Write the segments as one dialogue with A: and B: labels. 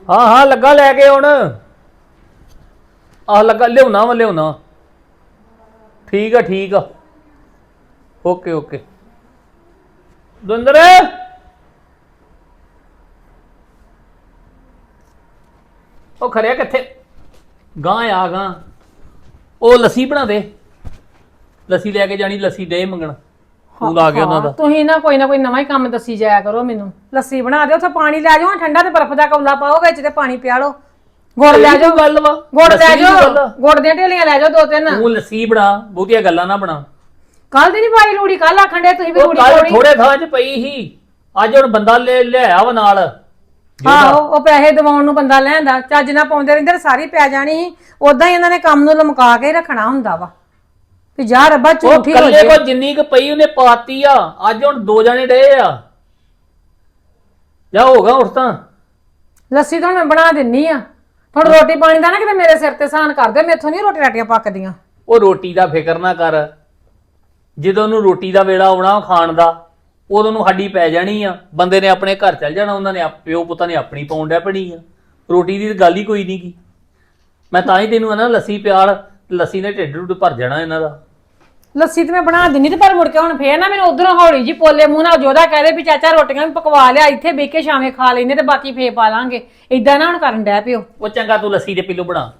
A: ਹਾਂ ਹਾਂ ਲੱਗਾ ਲੈ ਕੇ ਹੁਣ ਆਹ ਲੱਗਾ ਲਿਆਉਣਾ ਵਾ ਲਿਆਉਣਾ ਠੀਕ ਆ ਓਕੇ ਓਕੇ ਦੁੰਦਰ ਉਹ ਖਰਿਆ ਕਿੱਥੇ ਗਾਂ ਆ ਗਾਂ ਉਹ ਲੱਸੀ ਬਣਾ ਦੇ ਲੱਸੀ ਲੈ ਕੇ ਜਾਣੀ ਲੱਸੀ ਡੇ ਮੰਗਣ ਫੋਨ ਆ ਗਿਆ ਉਹਨਾਂ ਦਾ
B: ਤੁਸੀਂ ਨਾ ਕੋਈ ਨਵਾਂ ਹੀ ਕੰਮ ਦੱਸੀ ਜਾਇਆ ਕਰੋ ਮੈਨੂੰ ਲੱਸੀ ਬਣਾ ਦਿਓ ਉੱਥੇ ਪਾਣੀ ਲੈ ਜਾਓ ਠੰਡਾ ਤੇ ਬਰਫ਼ ਦਾ ਕੌਲਾ ਪਾਓ ਵਿੱਚ ਤੇ ਪਾਣੀ ਪਿਆ ਲਓ ਗੁੜ ਲੈ ਜਾਓ
A: ਗੱਲ ਵਾ
B: ਗੁੜ ਲੈ ਜਾਓ ਗੁੜ ਦੀਆਂ ਢੇਲੀਆਂ ਲੈ ਜਾਓ 2-3
A: ਤੂੰ ਲੱਸੀ ਬਣਾ ਬਹੁਤੀਆਂ ਗੱਲਾਂ ਨਾ ਬਣਾ
B: ਕੱਲ ਦੀ ਨਹੀਂ ਪਾਈ ਰੂੜੀ ਕੱਲ ਆਖਣ ਦੇ ਤੁਸੀਂ ਵੀ ਰੂੜੀ
A: ਪਾਉਣੀ ਥੋੜੇ ਥਾਂ 'ਚ ਪਈ ਸੀ ਅੱਜ ਹੁਣ ਬੰਦਾ ਲਿਆਇਆ ਵਾ ਨਾਲ
B: ਆਹੋ ਉਹ ਪੈਸੇ ਦਿਵਾਉਣ ਨੂੰ ਬੰਦਾ ਲੈਂਦਾ ਚੱਜ ਨਾ ਪਾਉਂਦੇ ਰਹਿੰਦੇ ਸਾਰੀ ਪੈ ਜਾਣੀ ਸੀ ਉਦਾਂ ਹੀ ਇਹਨਾਂ ਨੇ ਕੰਮ ਨੂੰ ਲਮਕਾ ਕੇ ਰੱਖਣਾ ਹੁੰਦਾ ਵਾ ਵੀ ਜਾ ਰੱਬਾ ਝੂਠੀ ਹੋ ਜੇ
A: ਕੋ ਜਿੰਨੀ ਕੁ ਪਈ ਉਹਨੇ ਪਾਤੀ ਆ ਅੱਜ ਹੁਣ 2 ਜਣੇ ਡਏ ਆ ਜਾ ਹੋਗਾ ਉੱਠ ਤਾਂ
B: ਲੱਸੀ ਤਾਂ ਮੈਂ ਬਣਾ ਦਿੰਨੀ ਆ ਹੁਣ ਰੋਟੀ ਪਾਣੀ ਦਾ ਨਾ ਕਿਤੇ ਮੇਰੇ ਸਿਰ ਤੇ ਸਾਨ ਕਰਦੇ ਮੈਥੋਂ ਨਹੀਂ ਰੋਟੀ ਰਾਟੀਆਂ ਪੱਕਦੀਆਂ
A: ਉਹ ਰੋਟੀ ਦਾ ਫਿਕਰ ਨਾ ਕਰ ਜਦੋਂ ਉਹਨੂੰ ਰੋਟੀ ਦਾ ਵੇਲਾ ਆਉਣਾ ਖਾਣ ਦਾ ਉਦੋਂ ਨੂੰ ਹੱਡੀ ਪੈ ਜਾਣੀ ਆ ਬੰਦੇ ਨੇ ਆਪਣੇ ਘਰ ਚੱਲ ਜਾਣਾ ਉਹਨਾਂ ਨੇ ਪਿਓ ਪੁੱਤਾਂ ਨੇ ਆਪਣੀ ਪਾਉਣ ਡੈ ਪਣੀ ਆ ਰੋਟੀ ਦੀ ਗੱਲ ਹੀ ਕੋਈ ਨਹੀਂ ਗੀ ਮੈਂ ਤਾਂ ਹੀ ਤੈਨੂੰ ਨਾ ਲੱਸੀ ਪਿਆਲ ਲੱਸੀ ਨੇ ਢਿੱਡ ਭਰ ਜਾਣਾ ਇਹਨਾਂ ਦਾ
B: ਲੱਸੀ ਤੇ ਮੈਂ ਬਣਾ ਦਿੰਨੀ ਤੇ ਪਰ ਮੁੜ ਕੇ ਹੁਣ ਫੇਰ ਨਾ ਮੈਨੂੰ ਉਧਰੋਂ ਹੌਲੀ ਜੀ ਪੋਲੇ ਮੂੰਹ ਨਾਲ ਜੋਦਾ ਕਹਦੇ ਵੀ ਚਾਚਾ ਰੋਟੀਆਂ ਵੀ ਪਕਵਾ ਲਿਆ ਇੱਥੇ ਬਹਿ ਕੇ ਸ਼ਾਮੇ ਖਾ ਲੈਨੇ ਤੇ ਬਾਕੀ ਫੇਰ ਪਾ ਲਾਂਗੇ ਇਦਾਂ ਨਾ ਹੁਣ ਕਰਨ ਡੈ ਪਿਓ
A: ਉਹ ਚੰਗਾ ਤੂੰ ਲੱਸੀ ਦੇ ਪੀਲੋ ਬਣਾ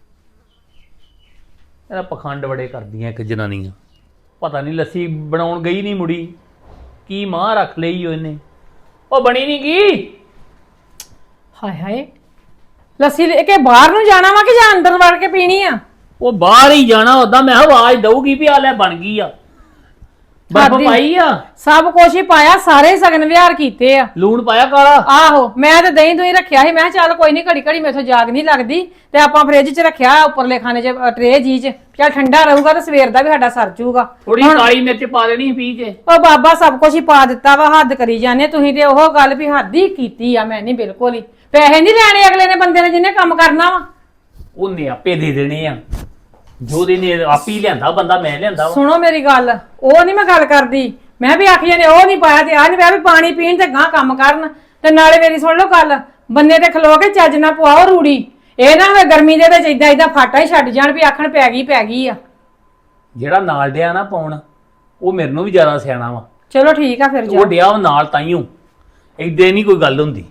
A: ਇਹਦਾ ਪਖੰਡ ਬੜੇ ਕਰਦੀਆਂ ਇੱਕ ਜਨਾਨੀਆਂ ਪਤਾ ਨਹੀਂ ਲੱਸੀ ਬਣਾਉਣ ਗਈ ਨਹੀਂ ਮੁੜੀ ਕੀ ਮਾਂ ਰੱਖ ਲਈ ਉਹਨੇ ਉਹ ਬਣੀ ਨਹੀਂ ਗਈ
B: ਹਾਏ ਹਾਏ ਲੱਸੀ ਲੈ ਕੇ ਬਾਹਰ ਨੂੰ ਜਾਣਾ ਵਾ ਕਿ ਜਾਂ ਅੰਦਰ ਵੜ ਕੇ ਪੀਣੀ ਆ
A: ਉਹ ਬਾਹਰ ਹੀ ਜਾਣਾ ਉਦਾਂ ਮੈਂ ਆਵਾਜ਼ ਦਊਗੀ ਵੀ ਆ ਲੈ ਬਣ ਗਈ ਆ ਬਰਫ ਪਾਈ ਆ
B: ਸਭ ਕੁਛ ਹੀ ਪਾਇਆ ਸਾਰੇ ਸਗਨ ਵਿਹਾਰ ਕੀਤੇ ਆ
A: ਲੂਣ ਪਾਇਆ ਕਾਲਾ
B: ਆਹੋ ਮੈਂ ਤੇ ਦਹੀਂ ਦੁਹੀਂ ਰੱਖਿਆ ਸੀ ਮੈਂ ਚੱਲ ਕੋਈ ਨਹੀਂ ਘੜੀ ਘੜੀ ਮੇਥੋਂ ਜਾਗ ਨਹੀਂ ਲੱਗਦੀ ਤੇ ਆਪਾਂ ਫ੍ਰਿਜ 'ਚ ਰੱਖਿਆ ਉੱਪਰਲੇ ਖਾਨੇ 'ਚ ਟਰੇ ਜੀ 'ਚ ਚੱਲ ਠੰਡਾ ਰਹੂਗਾ ਤੇ ਸਵੇਰ ਦਾ ਵੀ ਸਾਡਾ ਸਰ ਜੂਗਾ
A: ਥੋੜੀ ਕਾਲੀ ਮਿਰਚ ਪਾ ਦੇਣੀ ਪੀ ਕੇ
B: ਉਹ ਬਾਬਾ ਸਭ ਕੁਝ ਹੀ ਪਾ ਦਿੱਤਾ ਵਾ ਹੱਦ ਕਰੀ ਜਾਂਦੇ ਤੁਸੀਂ ਤੇ ਉਹ ਗੱਲ ਵੀ ਹੱਦ ਹੀ ਕੀਤੀ ਆ ਮੈਂ ਨਹੀਂ ਬਿਲਕੁਲ ਹੀ ਪੈਸੇ ਨਹੀਂ ਲੈਣੇ ਅਗਲੇ ਨੇ ਬੰਦੇ ਨੇ ਜਿਹਨੇ ਕੰਮ ਕਰਨਾ ਵਾ
A: ਉਹਨੇ ਆਪੇ ਦੇ ਦੇਣੇ ਆ ਜੋ ਦੇ ਨੇ ਆਪੀ ਲਿਆਂਦਾ ਬੰਦਾ ਮੈਂ ਲਿਆਂਦਾ
B: ਸੁਣੋ ਮੇਰੀ ਗੱਲ ਉਹ ਨਹੀਂ ਮੈਂ ਗੱਲ ਕਰਦੀ ਮੈਂ ਵੀ ਆਖੀ ਜਾਂਦੇ ਉਹ ਨਹੀਂ ਪਾਇਆ ਤੇ ਆ ਨਹੀਂ ਪਿਆ ਵੀ ਪਾਣੀ ਪੀਣ ਤੇ ਗਾਂ ਕੰਮ ਕਰਨ ਤੇ ਨਾਲੇ ਮੇਰੀ ਸੁਣ ਲਓ ਗੱਲ ਬੰਨੇ ਤੇ ਖਲੋ ਕੇ ਚੱਜ ਨਾ ਪਵਾਓ ਰੂੜੀ ਇਹ ਨਾ ਹੋਵੇ ਗਰਮੀ ਦੇ ਵਿੱਚ ਇਦਾਂ ਫਾਟਾ ਹੀ ਛੱਡ ਜਾਣ ਵੀ ਆਖਣ ਪੈ ਗਈ ਆ
A: ਜਿਹੜਾ ਨਾਲ ਡਿਆ ਨਾ ਪਾਉਣ ਉਹ ਮੇਰੇ ਨੂੰ ਵੀ ਜ਼ਿਆਦਾ ਸਿਆਣਾ ਵਾ
B: ਚਲੋ ਠੀਕ ਆ ਫਿਰ
A: ਉਹ ਡਿਆ ਉਹ ਨਾਲ ਤਾਈਓ ਏਦਾਂ ਨਹੀਂ ਕੋਈ ਗੱਲ ਹੁੰਦੀ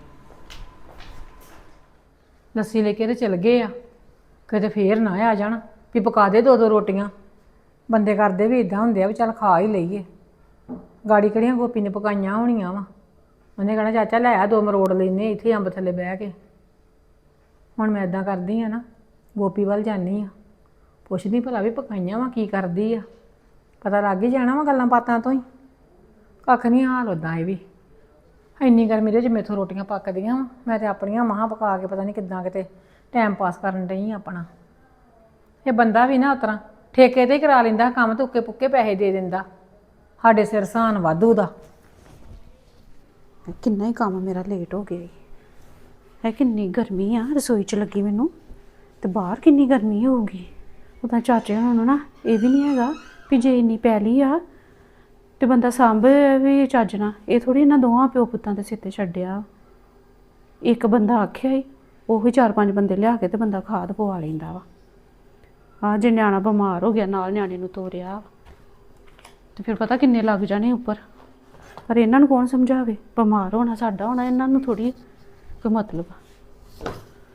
B: ਲੱਸੀ ਲੈ ਕੇ ਤੇ ਚਲ ਗਏ ਆ ਕਿਤੇ ਫੇਰ ਨਾ ਆ ਜਾਣ ਵੀ ਪਕਾ ਦੇ 2 ਰੋਟੀਆਂ ਬੰਦੇ ਕਰਦੇ ਵੀ ਇਦਾਂ ਹੁੰਦੇ ਆ ਵੀ ਚੱਲ ਖਾ ਹੀ ਲਈਏ ਗਾੜੀ ਕਿਹੜੀਆਂ ਗੋਪੀ ਨੇ ਪਕਾਈਆਂ ਹੋਣੀਆਂ ਵਾ ਉਹਨੇ ਕਹਿਣਾ ਚਾਚਾ ਲੈ ਆ 2 ਮਰੋੜ ਲੈਨੇ ਇੱਥੇ ਅੰਬ ਥੱਲੇ ਬਹਿ ਕੇ ਹੁਣ ਮੈਂ ਇਦਾਂ ਕਰਦੀ ਆ ਨਾ ਗੋਪੀ ਵੱਲ ਜਾਂਦੀ ਆ ਪੁੱਛਦੀ ਭਲਾ ਵੀ ਪਕਾਈਆਂ ਵਾ ਕੀ ਕਰਦੀ ਆ ਪਤਾ ਲੱਗ ਹੀ ਜਾਣਾ ਵਾ ਗੱਲਾਂ ਬਾਤਾਂ ਤੋਂ ਹੀ ਕੱਖ ਨਹੀਂ ਹਾਲ ਉਦਾਂ ਇਹ ਵੀ ਇੰਨੀ ਗਰਮੀ ਦੇ ਵਿੱਚ ਮੇਥੋਂ ਰੋਟੀਆਂ ਪੱਕਦੀਆਂ ਵਾ ਮੈਂ ਤੇ ਆਪਣੀਆਂ ਮਹਾਂ ਪਕਾ ਕੇ ਪਤਾ ਨਹੀਂ ਕਿੱਦਾਂ ਕਿਤੇ ਟਾਈਮ ਪਾਸ ਕਰਨ ਡਈ ਆਪਣਾ ਇਹ ਬੰਦਾ ਵੀ ਨਾ ਉਤਰਾ ਠੇਕੇ ਤੇ ਹੀ ਕਰਾ ਲੈਂਦਾ ਕੰਮ ਤੇ ਉੱਕੇ ਪੁੱਕੇ ਪੈਸੇ ਦੇ ਦਿੰਦਾ ਸਾਡੇ ਸਿਰ ਸਾਨ ਵਾਧੂ ਦਾ
C: ਕਿੰਨਾ ਹੀ ਕੰਮ ਮੇਰਾ ਲੇਟ ਹੋ ਗਿਆ ਹੈ ਕਿੰਨੀ ਗਰਮੀ ਆ ਰਸੋਈ 'ਚ ਲੱਗੀ ਮੈਨੂੰ ਤੇ ਬਾਹਰ ਕਿੰਨੀ ਗਰਮੀ ਹੋਊਗੀ ਉਹਦਾ ਚਾਚੇ ਹੋਣਾ ਨੂੰ ਨਾ ਇਹ ਵੀ ਨਹੀਂ ਹੈਗਾ ਵੀ ਜੇ ਇੰਨੀ ਪੈਲੀ ਆ ਤੇ ਬੰਦਾ ਸਾਂਭ ਵੀ ਚੱਜ ਨਾ ਇਹ ਥੋੜੀ ਇਹਨਾਂ ਦੋਵਾਂ ਪਿਓ ਪੁੱਤਾਂ ਦੇ ਸਿਰ ਤੇ ਛੱਡਿਆ ਇੱਕ ਬੰਦਾ ਆਖਿਆ ਹੀ ਉਹੀ 4-5 ਬੰਦੇ ਲਿਆ ਕੇ ਤੇ ਬੰਦਾ ਖਾਦ ਪਵਾ ਲੈਂਦਾ ਵਾ ਆ ਜੇ ਨਿਆਣਾ ਬਿਮਾਰ ਹੋ ਗਿਆ ਨਾਲ ਨਿਆਣੇ ਨੂੰ ਤੋਰਿਆ ਤੇ ਫਿਰ ਪਤਾ ਕਿੰਨੇ ਲੱਗ ਜਾਣੇ ਉੱਪਰ ਪਰ ਇਹਨਾਂ ਨੂੰ ਕੌਣ ਸਮਝਾਵੇ ਬਿਮਾਰ ਹੋਣਾ ਸਾਡਾ ਹੋਣਾ ਇਹਨਾਂ ਨੂੰ ਥੋੜੀ ਕੋਈ ਮਤਲਬ ਆ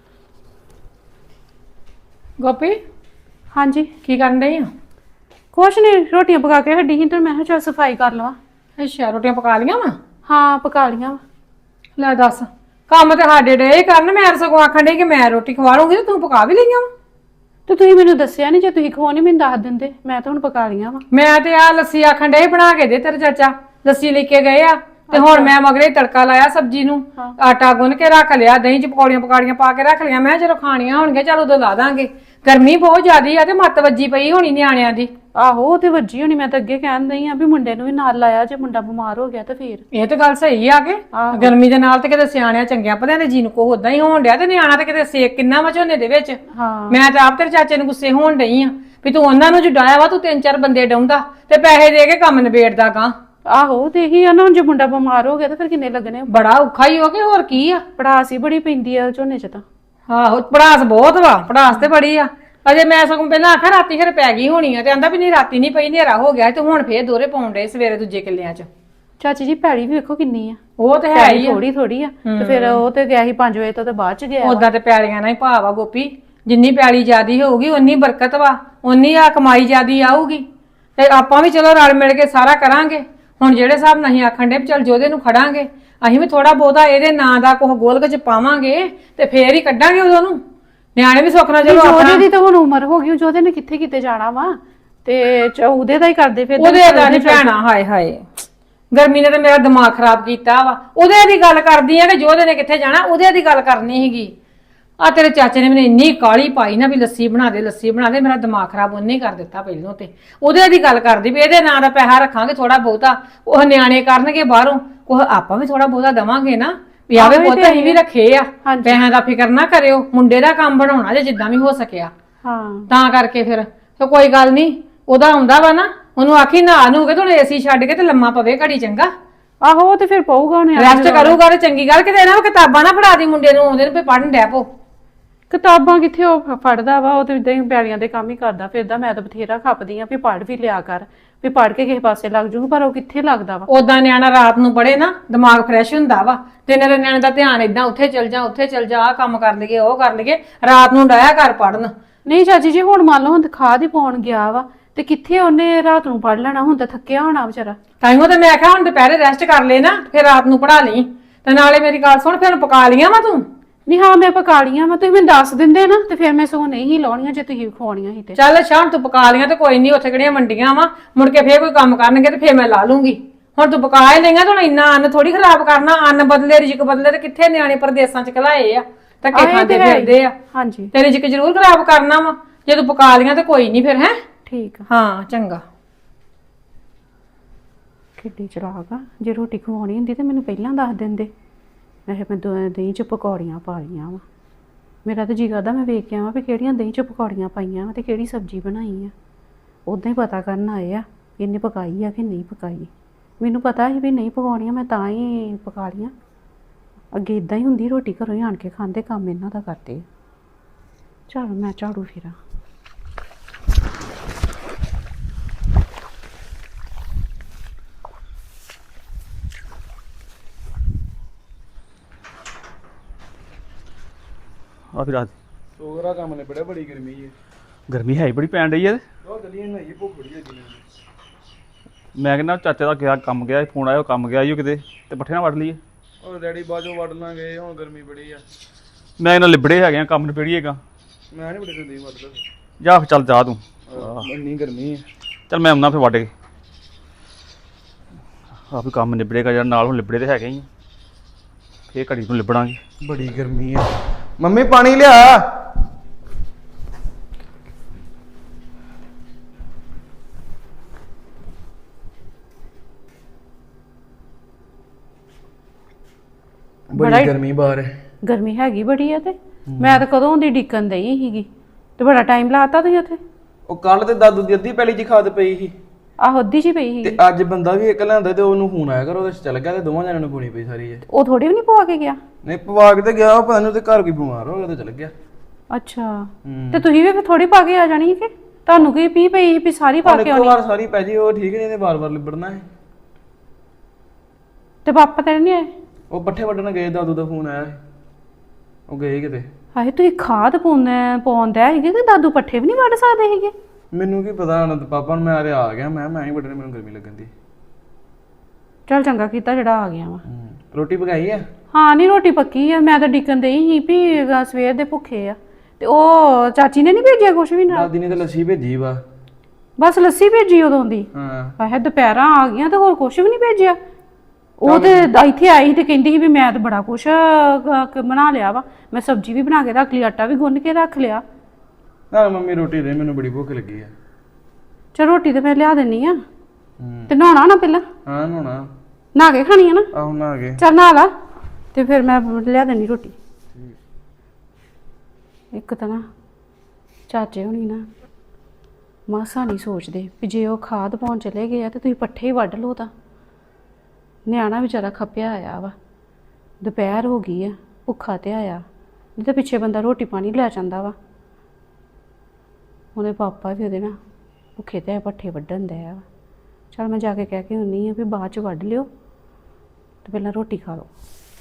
B: ਗੋਪੀ
C: ਹਾਂਜੀ
B: ਕੀ ਕਰਨ ਡਈ ਆ
C: ਕੁਛ ਨਹੀਂ ਰੋਟੀਆਂ ਪਕਾ ਕੇ ਹੱਡੀ ਸੀ ਤੇ ਮੈਂ ਕਿਹਾ ਚੱਲ ਸਫਾਈ ਕਰ ਲਵਾਂ
B: ਅੱਛਾ ਰੋਟੀਆਂ ਪਕਾ ਲੀਆਂ ਵਾ
C: ਹਾਂ ਪਕਾ ਲੀਆਂ ਵਾ
B: ਲੈ ਦੱਸ ਕੰਮ ਤੇ ਸਾਡੇ ਡੇ ਕਰਨ ਮੈਂ ਸਗੋਂ ਆਖਣ ਡਈ ਕਿ ਮੈਂ ਰੋਟੀ ਖਵਾ ਲੂੰਗੀ ਤੇ ਤੂੰ ਪਕਾ ਵੀ ਲਈਆਂ ਵਾ
C: ਤੇ ਤੁਸੀਂ ਮੈਨੂੰ ਦੱਸਿਆ ਨਹੀਂ ਜੇ ਤੁਸੀਂ ਖਵਾਉਣੀ ਮੈਨੂੰ ਦੱਸ ਦਿੰਦੇ ਮੈਂ ਤਾਂ ਹੁਣ ਪਕਾ ਲੀਆਂ ਵਾ
B: ਮੈਂ ਤੇ ਆ ਲੱਸੀ ਆਖਣ ਡੇ ਬਣਾ ਕੇ ਦੇ ਤੇਰੇ ਚਾਚਾ ਲੱਸੀ ਲੈ ਕੇ ਗਏ ਆ ਤੇ ਹੁਣ ਮੈਂ ਮਗਰੇ ਤੜਕਾ ਲਾਇਆ ਸਬਜ਼ੀ ਨੂੰ ਆਟਾ ਗੁੰਨ ਕੇ ਰੱਖ ਲਿਆ ਦਹੀਂ ਚ ਪਕੌੜੀਆਂ ਪਕਾੜੀਆਂ ਪਾ ਕੇ ਰੱਖ ਲਿਆ ਮੈਂ ਜਦੋਂ ਖਾਣੀਆਂ ਹੋਣਗੀਆਂ ਚਲ ਉਦੋਂ ਲਾ ਦਾਂਗੇ ਗਰਮੀ ਬਹੁਤ ਜ਼ਿਆਦੀ ਆ ਤੇ ਮੱਤ ਵੱਜੀ ਪਈ ਹੋਣੀ ਨਿਆਣਿਆਂ ਦੀ
C: ਆਹੋ ਉਹ ਤੇ ਵੱਜੀ ਹੋਣੀ ਮੈਂ ਤਾਂ ਅੱਗੇ ਕਹਿਣ ਦਈ ਆ ਵੀ ਮੁੰਡੇ ਨੂੰ ਵੀ ਨਾਲ ਲਾਇਆ ਜੇ ਮੁੰਡਾ ਬਿਮਾਰ ਹੋ ਗਿਆ ਤਾਂ ਫੇਰ
B: ਇਹ ਤਾਂ ਗੱਲ ਸਹੀ ਆ ਕਿ ਗਰਮੀ ਦੇ ਨਾਲ ਤੇ ਕਿਤੇ ਸਿਆਣਿਆਂ ਚੰਗਿਆਂ ਭਲਿਆਂ ਦੇ ਜੀ ਨੂੰ ਕੋ ਉਦਾਂ ਹੀ ਹੋਣ ਡਿਆ ਤੇ ਨਿਆਣਾ ਤੇ ਕਿਤੇ ਸੇਕ ਕਿੰਨਾ ਵਾ ਝੋਨੇ ਦੇ ਵਿੱਚ ਮੈਂ ਤਾਂ ਆਪ ਤੇਰੇ ਚਾਚੇ ਨੂੰ ਗੁੱਸੇ ਹੋਣ ਡਈ ਆ ਵੀ ਤੂੰ ਉਹਨਾਂ ਨੂੰ ਜੁਡਾਇਆ ਵਾ ਤੂੰ 3-4 ਬੰਦੇ ਡਾਉਂਦਾ ਤੇ ਪੈਸੇ ਦੇ ਕੇ ਕੰਮ ਨਿਬੇੜਦਾ ਗਾ
C: ਆਹੋ ਤੇ ਇਹੀ ਆ ਨਾ ਹੁਣ ਜੇ ਮੁੰਡਾ ਬਿਮਾਰ ਹੋ ਗਿਆ ਤਾਂ ਫਿਰ ਕਿੰਨੇ ਲੱਗਣੇ
B: ਬੜਾ ਔਖਾ ਹੀ ਹੋ ਕੇ ਹੋਰ ਕੀ ਆ।
C: ਪੜਾਸ ਹੀ ਬੜੀ ਪੈਂਦੀ ਆ ਝੋਨੇ 'ਚ ਤਾਂ।
B: ਆਹੋ ਪੜਾਸ ਬਹੁਤ ਵਾ, ਪੜਾਸ ਤੇ ਬੜੀ ਆ। ਅਜੇ ਮੈਂ ਸਗੋਂ ਪਹਿਲਾਂ ਆਖਿਆ ਰਾਤੀ ਫਿਰ ਪੈ ਗਈ ਹੋਣੀ ਆ ਤੇ ਆਂਦਾ ਵੀ ਨਹੀਂ ਰਾਤੀ ਨਹੀਂ ਪਈ, ਹਨੇਰਾ ਹੋ ਗਿਆ ਤੇ ਹੁਣ ਫੇਰ ਦੋਹਰੇ ਪਾਉਣ ਡਏ ਸਵੇਰੇ ਦੂਜੇ ਕਿੱਲਿਆਂ 'ਚ।
C: ਚਾਚੀ ਜੀ ਪੈੜੀ ਵੀ ਵੇਖੋ ਕਿੰਨੀ ਆ।
B: ਉਹ ਤੇ ਹੈ ਹੀ ਆ।
C: ਥੋੜੀ ਥੋੜੀ ਆ ਤੇ ਫਿਰ ਉਹ ਤੇ ਗਿਆ ਸੀ 5 ਵਜੇ ਤੋਂ ਤੇ ਬਾਅਦ ਚ ਗਿਆ।
B: ਉਦਾਂ ਤੇ ਪੈਲੀਆਂ ਨਾਲ ਹੀ ਭਾਵ ਆ ਗੋਪੀ, ਜਿੰਨੀ ਪੈਲੀ ਜ਼ਿਆਦੀ ਹੋਊਗੀ ਉਨੀ ਬਰਕਤ ਵਾ, ਉਨੀ ਆ ਕਮਾਈ ਜ਼ਿਆਦੀ ਆਊਗੀ। ਤੇ ਆਪਾਂ ਵੀ ਚਲੋ ਰਲ ਮਿਲ ਕੇ ਸਾਰਾ ਕਰਾਂਗੇ। ਹੁਣ ਜਿਹੜੇ ਹਿਸਾਬ ਨਾਲ ਅਸੀਂ ਆਖਣ ਦੇ ਵੀ ਚੱਲ ਜੋਦੇ ਨੂੰ ਖੜਾਂਗੇ, ਅਸੀਂ ਵੀ ਥੋੜਾ ਬਹੁਤਾ ਇਹਦੇ ਨਾਂ ਦਾ ਕੁਝ ਗੋਲਕ ਚ ਪਾਵਾਂਗੇ ਤੇ ਫੇਰ ਹੀ ਕੱਢਾਂਗੇ ਉਦੋਂ ਨੂੰ। ਨਿਆਣੇ ਵੀ ਸੁੱਖ ਨਾਲ ਚਲੋ
C: ਜੋਦੇ ਦੀ ਤਾਂ ਹੁਣ ਉਮਰ ਹੋ ਗਈ, ਜੋਦੇ ਨੇ ਕਿੱਥੇ ਕਿਤੇ ਜਾਣਾ ਵਾ ਤੇ ਉਹਦੇ ਦਾ ਹੀ ਕਰਦੇ ਫਿਰ।
B: ਉਹਦੇ ਦਾ ਨਹੀਂ ਭੈਣਾ, ਹਾਏ ਹਾਏ ਗਰਮੀ ਨੇ ਤਾਂ ਮੇਰਾ ਦਿਮਾਗ ਖਰਾਬ ਕੀਤਾ ਵਾ। ਉਹਦੇ ਦੀ ਗੱਲ ਕਰਦੀ ਆ ਕਿ ਜੋਦੇ ਨੇ ਕਿੱਥੇ ਜਾਣਾ, ਉਹਦੇ ਦੀ ਗੱਲ ਕਰਨੀ ਸੀਗੀ। ਆ ਤੇਰੇ ਚਾਚੇ ਨੇ ਮੈਨੂੰ ਇੰਨੀ ਕਾਲੀ ਪਾਈ ਨਾ ਵੀ ਲੱਸੀ ਬਣਾ ਦੇ ਲੱਸੀ ਬਣਾ ਦੇ, ਮੇਰਾ ਦਿਮਾਗ ਖਰਾਬ ਉਹਨੇ ਹੀ ਕਰ ਦਿੱਤਾ ਪਹਿਲੋਂ। ਤੇ ਉਹਦੇ ਦੀ ਗੱਲ ਕਰਦੀ ਵੀ ਇਹਦੇ ਨਾਂ ਦਾ ਪੈਸਾ ਰੱਖਾਂਗੇ ਥੋੜਾ ਬਹੁਤਾ, ਉਹ ਨਿਆਣੇ ਕਰਨਗੇ ਬਾਹਰੋਂ, ਉਹ ਆਪਾਂ ਵੀ ਥੋੜਾ ਬਹੁਤਾ ਦਵਾਂਗੇ ਨਾ ਵੀ ਆਵੇ ਪੁੱਤ ਅਸੀਂ ਵੀ ਰੱਖੇ ਆ, ਪੈਸਿਆਂ ਦਾ ਫਿਕਰ ਨਾ ਕਰਿਓ, ਮੁੰਡੇ ਦਾ ਕੰਮ ਬਣਾਉਣਾ ਜੇ ਜਿੱਦਾਂ ਵੀ ਹੋ ਸਕਿਆ।
C: ਹਾਂ
B: ਤਾਂ ਕਰਕੇ ਫਿਰ ਕੋਈ ਗੱਲ ਨਹੀਂ, ਉਹਦਾ ਆਉਂਦਾ ਵਾ ਨਾ, ਉਹਨੂੰ ਆਖੀ ਨਹਾ ਨੂੰ ਕੇ ਥੋੜਾ ਏਸੀ ਛੱਡ ਕੇ ਤੇ ਲੰਮਾ ਪਵੇ ਘੜੀ ਚੰਗਾ।
C: ਆਹੋ ਉਹ ਤੇ ਫਿਰ ਪਊਗਾ ਉਹਨੇ
B: ਰੈਸਟ ਕਰੂਗਾ ਤੇ ਚੰਗੀ ਗੱਲ। ਕਿਤੇ ਨਾ ਕਿਤਾਬਾਂ ਨਾ ਫੜਾ ਦੀ ਮੁੰਡੇ ਨੂੰ, ਆਉਂਦੇ ਨੂੰ ਵੀ ਪੜ੍ਹਨ ਡੈ ਪੋ।
C: ਕਿਤਾਬਾਂ ਕਿੱਥੇ ਉਹ ਫੜਦਾ ਵਾ, ਉਹ ਤੇ ਇਦਾਂ ਹੀ ਪੈਲੀਆਂ ਦੇ ਕੰਮ ਹੀ ਕਰਦਾ ਫਿਰਦਾ। ਮੈਂ ਤਾਂ ਬਥੇਰਾ ਖੱਪਦੀ ਆ ਵੀ ਪੜ੍ਹ ਵੀ ਲਿਆ ਕਰ, ਵੀ ਪੜ੍ਹ ਕੇ ਕਿਸੇ ਪਾਸੇ ਲੱਗ ਜੂਗਾ, ਪਰ ਉਹ ਕਿੱਥੇ ਲੱਗਦਾ ਵਾ।
B: ਉਦਾਂ ਨਿਆਣਾ ਰਾਤ ਨੂੰ ਪੜ੍ਹੇ ਨਾ ਦਿਮਾਗ ਫਰੈਸ਼ ਹੁੰਦਾ ਵਾ, ਤੇ ਇਹਨਾਂ ਦੇ ਨਿਆਣੇ ਦਾ ਧਿਆਨ ਏਦਾਂ ਉੱਥੇ ਚਲ ਜਾ ਉੱਥੇ ਚਲ ਜਾ, ਆਹ ਕੰਮ ਕਰ ਲਈਏ ਉਹ ਕਰ ਲਈਏ, ਰਾਤ ਨੂੰ ਡਾਇਆ ਕਰ ਪੜਨ।
C: ਨਹੀਂ ਚਾਚੀ ਜੀ ਹੁਣ ਮੰਨ ਲਓ ਹੁਣ ਖਾਦ ਹੀ ਪਾਉਣ ਗਿਆ ਵਾ ਤੇ ਕਿੱਥੇ ਉਹਨੇ ਰਾਤ ਨੂੰ ਪੜ ਲੈਣਾ, ਹੁਣ ਤਾਂ ਥੱਕਿਆ ਹੋਣਾ ਵਿਚਾਰਾ।
B: ਤਾਈਓ ਤੇ ਮੈਂ ਕਿਹਾ ਹੁਣ ਦੁਪਹਿਰੇ ਰੈਸਟ ਕਰ ਲੈ ਨਾ, ਫਿਰ ਰਾਤ ਨੂੰ ਪੜਾ ਲਈ। ਤੇ ਨਾਲੇ ਮੇਰੀ ਗੱਲ ਸੁਣ, ਫਿਰ ਪਕਾ ਲੀਆਂ ਵਾ ਤੂੰ?
C: ਨਹੀਂ ਹਾਂ ਮੈਂ ਪਕਾ ਲੀਆਂ ਵਾ, ਤੁਸੀਂ ਮੈਨੂੰ ਦੱਸ ਦਿੰਦੇ ਨਾ ਤੇ ਫਿਰ ਮੈਂ ਸਗੋਂ ਨਹੀਂ ਲਾਉਣੀਆਂ ਜੇ ਤੁਸੀਂ ਖਵਾਉਣੀਆਂ ਸੀ ਤੇ।
B: ਚੱਲ ਸ਼ਾਮ ਤੂੰ ਪਕਾ ਲੀਆਂ ਤੇ ਕੋਈ ਨਹੀਂ, ਉੱਥੇ ਕਿਹੜੀਆਂ ਮੰਡੀਆਂ ਵਾ, ਮੁੜ ਕੇ ਫੇਰ ਕੋਈ ਕੰਮ ਕਰਨਗੇ ਤੇ ਫੇਰ ਮੈਂ ਲਾ ਲੂੰਗੀ। ਹੁਣ ਤੂੰ ਪਕਾ ਹੀ ਲਈਆਂ, ਹੁਣ ਇੰਨਾ ਅੰਨ ਥੋੜੀ ਖਰਾਬ ਕਰਨਾ, ਅੰਨ ਬਦਲੇ ਰਿਜਕ ਬਦਲੇ, ਤੇ ਕਿੱਥੇ ਨਿਆਣੇ ਪ੍ਰਦੇਸਾਂ ਚ ਘਲਾਏ ਆ, ਧੱਕੇ ਖਾਂਦੇ ਫਿਰਦੇ ਆ।
C: ਹਾਂਜੀ
B: ਤੇ ਰਿਜਕ ਜ਼ਰੂਰ ਖਰਾਬ ਕਰਨਾ ਵਾ, ਜੇ ਤੂੰ ਪਕਾ ਲੀਆਂ ਤੇ ਕੋਈ ਨਹੀਂ ਫਿਰ। ਹੈ
C: ਠੀਕ ਆ।
B: ਹਾਂ ਚੰਗਾ।
C: ਕਿੱਡੀ ਚਲਾਕ ਆ, ਜੇ ਰੋਟੀ ਖਵਾਉਣੀ ਹੁੰਦੀ ਤੇ ਮੈਨੂੰ ਪਹਿਲਾਂ ਦੱਸ ਦਿੰਦੇ। ਮੈਂ ਦਹੀਂ 'ਚ ਪਕੌੜੀਆਂ ਪਾ ਲਈਆਂ ਵਾ। ਮੇਰਾ ਤਾਂ ਜੀ ਕਰਦਾ ਮੈਂ ਵੇਖ ਕੇ ਆਵਾਂ ਵੀ ਕਿਹੜੀਆਂ ਦਹੀਂ 'ਚ ਪਕੌੜੀਆਂ ਪਾਈਆਂ ਵਾ ਤੇ ਕਿਹੜੀ ਸਬਜ਼ੀ ਬਣਾਈ ਆ। ਉੱਦਾਂ ਹੀ ਪਤਾ ਕਰਨ ਆਏ ਆ ਕਿ ਇਹਨੇ ਪਕਾਈ ਆ ਕਿ ਨਹੀਂ ਪਕਾਈ। ਮੈਨੂੰ ਪਤਾ ਸੀ ਵੀ ਨਹੀਂ ਪਕਾਉਣੀਆਂ, ਮੈਂ ਤਾਂ ਹੀ ਪਕਾ ਲਈਆਂ। ਅੱਗੇ ਇਦਾਂ ਹੀ ਹੁੰਦੀ, ਰੋਟੀ ਘਰੋਂ ਹੀ ਆਣ ਕੇ ਖਾਂਦੇ, ਕੰਮ ਇਹਨਾਂ ਦਾ ਕਰਦੇ। ਚਲ ਮੈਂ ਝਾੜੂ ਫੇਰਾਂ।
D: ਆ ਫਿਰ ਰਾਤ
E: ਸੋਗਰਾ ਕੰਮ ਨੇ ਬੜੇ ਬੜੀ ਗਰਮੀ ਹੈ।
D: ਗਰਮੀ ਹੈ ਹੀ ਬੜੀ ਪੈਣ ਰਹੀ ਹੈ।
E: ਬਹੁਤ ਜਲੀਆਂ ਨਹੀਂ ਭੁੱਖ ਬੜੀ ਲੱਗੀ ਨੇ।
D: ਮੈਂ ਕਹਿੰਦਾ ਚਾਚੇ ਦਾ ਗਿਆ ਕੰਮ ਗਿਆ, ਫੋਨ ਆਇਆ, ਉਹ ਕੰਮ ਗਿਆ ਈ ਉਹ ਕਿਤੇ, ਤੇ ਪੱਠੇ ਨਾਲ ਵੱਢ ਲਈਏ।
E: ਉਹ ਡੈਡੀ ਬਾਜੋਂ ਵੱਢ ਲਾਂਗੇ, ਹੁਣ ਗਰਮੀ ਬੜੀ ਆ।
D: ਮੈਂ ਇਹਨਾਂ ਲਿਬੜੇ ਹੈਗੇ ਆ, ਕੰਮ ਨਿਬੜੀਏਗਾ।
E: ਮੈਂ ਨਹੀਂ ਬੜੇ ਦਿੰਦੀ ਵੱਢਦਾ।
D: ਜਾ ਫਿਰ ਚੱਲ ਜਾ ਤੂੰ।
E: ਇੰਨੀ ਗਰਮੀ ਹੈ।
D: ਚੱਲ ਮੈਂ ਆਉਣਾ ਫਿਰ ਵੱਢ ਕੇ। ਆ ਵੀ ਕੰਮ ਨਿਬੜੇਗਾ ਯਾਰ, ਨਾਲ ਹੁਣ ਲਿਬੜੇ ਤੇ ਹੈਗੇ ਹੀ। ਫੇਰ ਘੜੀ ਨੂੰ ਲਿਬੜਾਂਗੇ।
E: ਬੜੀ ਗਰਮੀ ਹੈ। ਮੰਮੀ ਪਾਣੀ ਲਿਆ। ਬੜੀ ਗਰਮੀ ਬਾਹਰ ਹੈ।
C: ਗਰਮੀ ਹੈਗੀ ਬੜੀ ਆ ਤੇ ਮੈਂ ਤਾਂ ਕਦੋਂ ਦੀ ਡਿੱਕਣ ਦਈ ਸੀਗੀ ਤੇ ਬੜਾ ਟਾਈਮ ਲਾਤਾ ਤੁਸੀਂ ਉੱਥੇ।
E: ਉਹ ਕੱਲ ਤੇ ਦਾਦੂ ਦੀ ਅੱਧੀ ਪੈਲੀ 'ਚ ਖਾਦ ਪਈ ਸੀ
C: ਆਹੋ ਅੱਧੀ ਜੀ ਪਈ ਸੀ
E: ਤੇ ਅੱਜ ਬੰਦਾ ਵੀ ਇੱਕ ਲਿਆਂਦਾ ਤੇ ਉਹਨੂੰ ਫੋਨ ਆਇਆ ਕਰ, ਉਹਦੇ 'ਚ ਚੱਲ ਗਿਆ ਤੇ ਦੋਵਾਂ ਜਣਿਆਂ ਨੂੰ ਪਾਉਣੀ ਪਈ ਸਾਰੀ।
C: ਉਹ ਥੋੜੀ ਵੀ ਨਹੀਂ ਪਵਾ ਕੇ ਗਿਆ।
E: ਨਹੀਂ ਪਵਾ ਕੇ ਤੇ ਗਿਆ, ਉਹ ਪਤਾ ਨਹੀਂ ਉਹਦੇ ਘਰ ਕੋਈ ਬਿਮਾਰ ਹੋ ਗਿਆ ਤੇ ਚੱਲ ਗਿਆ।
C: ਅੱਛਾ ਤੇ ਤੁਸੀਂ ਵੀ ਫਿਰ ਥੋੜੀ ਪਾ ਕੇ ਆ ਜਾਣੀ ਕਿ ਤੁਹਾਨੂੰ ਕੀ ਪੀ ਪਈ ਵੀ ਸਾਰੀ ਪਾ ਕੇ
E: ਇੱਕ
C: ਆਉਣੀ।
E: ਵਾਰ ਸਾਰੀ ਪੈ ਜੀ, ਉਹ ਠੀਕ ਨਹੀਂ, ਇਹਨੇ ਵਾਰ-ਵਾਰ ਲਿਬੜਨਾ ਹੈ।
C: ਤੇ ਪਾਪਾ ਤੇਰੇ ਨਹੀਂ ਆਏ?
E: ਉਹ ਪੱਠੇ ਵੱਢਣ ਗਏ, ਦਾਦੂ ਦਾ ਫੋਨ ਆਇਆ ਸੀ, ਉਹ ਗਏ ਕਿਤੇ।
C: ਹਾਏ ਤੁਸੀਂ ਖਾਦ ਪਾਉਂਦਾ ਸੀਗੇ ਕਿ ਦਾਦੂ ਪੱਠੇ ਵੀ ਨਹੀਂ ਵੱਢ ਸਕਦੇ ਸੀਗੇ?
E: ਮੈਨੂੰ ਕੀ ਪਤਾ, ਹੁਣ ਪਾਪਾ ਨੂੰ ਮੈਂ ਆ ਗਿਆ, ਮੈਂ ਹੀ ਵੱਢਣੇ, ਮੈਨੂੰ ਗਰਮੀ ਲੱਗਣ ਦੀ।
C: ਚੱਲ ਚੰਗਾ ਕੀਤਾ ਜਿਹੜਾ ਆ ਗਿਆ ਵਾ।
E: ਰੋਟੀ ਪਕਾਈ ਆ?
C: ਹਾਂ ਨਹੀਂ ਰੋਟੀ ਪੱਕੀ ਆ, ਮੈਂ ਤਾਂ ਡਿੱਕਣ ਦਈ ਸੀ ਵੀ ਸਵੇਰ ਦੇ ਭੁੱਖੇ ਆ। ਤੇ ਉਹ ਚਾਚੀ ਨੇ ਨਹੀਂ ਭੇਜਿਆ ਕੁਛ ਵੀ ਨਾਲ?
E: ਦਾਦੀ ਨੇ ਤਾਂ ਲੱਸੀ ਭੇਜੀ ਵਾ।
C: ਬਸ ਲੱਸੀ ਭੇਜੀ ਉਦੋਂ ਦੀ?
E: ਹਾਂ।
C: ਹਾਏ ਦੁਪਹਿਰਾਂ ਆ ਗਈਆਂ ਤੇ ਹੋਰ ਕੁਛ ਵੀ ਨਹੀਂ ਭੇਜਿਆ। ਉਹ ਤੇ ਇੱਥੇ ਆਈ ਸੀ ਤੇ ਕਹਿੰਦੀ ਸੀ ਵੀ ਮੈਂ ਤਾਂ ਬੜਾ ਕੁਛ ਬਣਾ ਲਿਆ ਵਾ, ਮੈਂ ਸਬਜ਼ੀ ਵੀ ਬਣਾ ਕੇ ਰੱਖ ਲਈ, ਆਟਾ ਵੀ ਗੁੰਨ ਕੇ ਰੱਖ ਲਿਆ।
E: ਨਾ ਮੰਮੀ ਰੋਟੀ ਦੇ, ਮੈਨੂੰ ਬੜੀ ਭੁੱਖ ਲੱਗੀ ਆ।
C: ਚਲ ਰੋਟੀ ਤੇ ਮੈਂ ਲਿਆ ਦਿੰਨੀ ਆ। ਤੇ ਨਹਾਉਣਾ ਨਾ ਪਹਿਲਾਂ?
E: ਹਾਂ ਨਹਾਉਣਾ।
C: ਨਹਾ ਕੇ ਖਾਣੀ ਆ ਨਾ?
E: ਆਹੋ ਨਹਾ ਕੇ।
C: ਚੱਲ ਨਹਾ ਲਾ ਤੇ ਫਿਰ ਮੈਂ ਲਿਆ ਦਿੰਨੀ ਰੋਟੀ। ਇੱਕ ਤਾਂ ਨਾ ਚਾਚੇ ਹੋਣੀ ਨਾ ਮਾਸਾ ਨਹੀਂ ਸੋਚਦੇ ਵੀ ਜੇ ਉਹ ਖਾਦ ਪਾਉਣ ਚਲੇ ਗਏ ਆ ਤੇ ਤੁਸੀਂ ਪੱਠੇ ਹੀ ਵੱਢ ਲਓ ਤਾਂ ਨਿਆਣਾ ਵਿਚਾਰਾ ਖੱਪਿਆ ਆਇਆ ਵਾ, ਦੁਪਹਿਰ ਹੋ ਗਈ ਆ, ਭੁੱਖਾ ਤੇ ਆਇਆ, ਨਹੀਂ ਤਾਂ ਪਿੱਛੇ ਬੰਦਾ ਰੋਟੀ ਪਾਣੀ ਲੈ ਜਾਂਦਾ ਵਾ। ਉਹਦੇ ਪਾਪਾ ਵੀ ਉਹਦੇ ਨਾਲ ਭੁੱਖੇ ਤੇ ਪੱਠੇ ਵੱਢਣ ਦੇ ਆ। ਚਲ ਮੈਂ ਜਾ ਕੇ ਕਹਿ ਕੇ ਹੁੰਨੀ ਆ ਵੀ ਬਾਅਦ ਚ ਵੱਢ ਲਿਓ ਤੇ ਪਹਿਲਾਂ ਰੋਟੀ ਖਾ ਲਓ।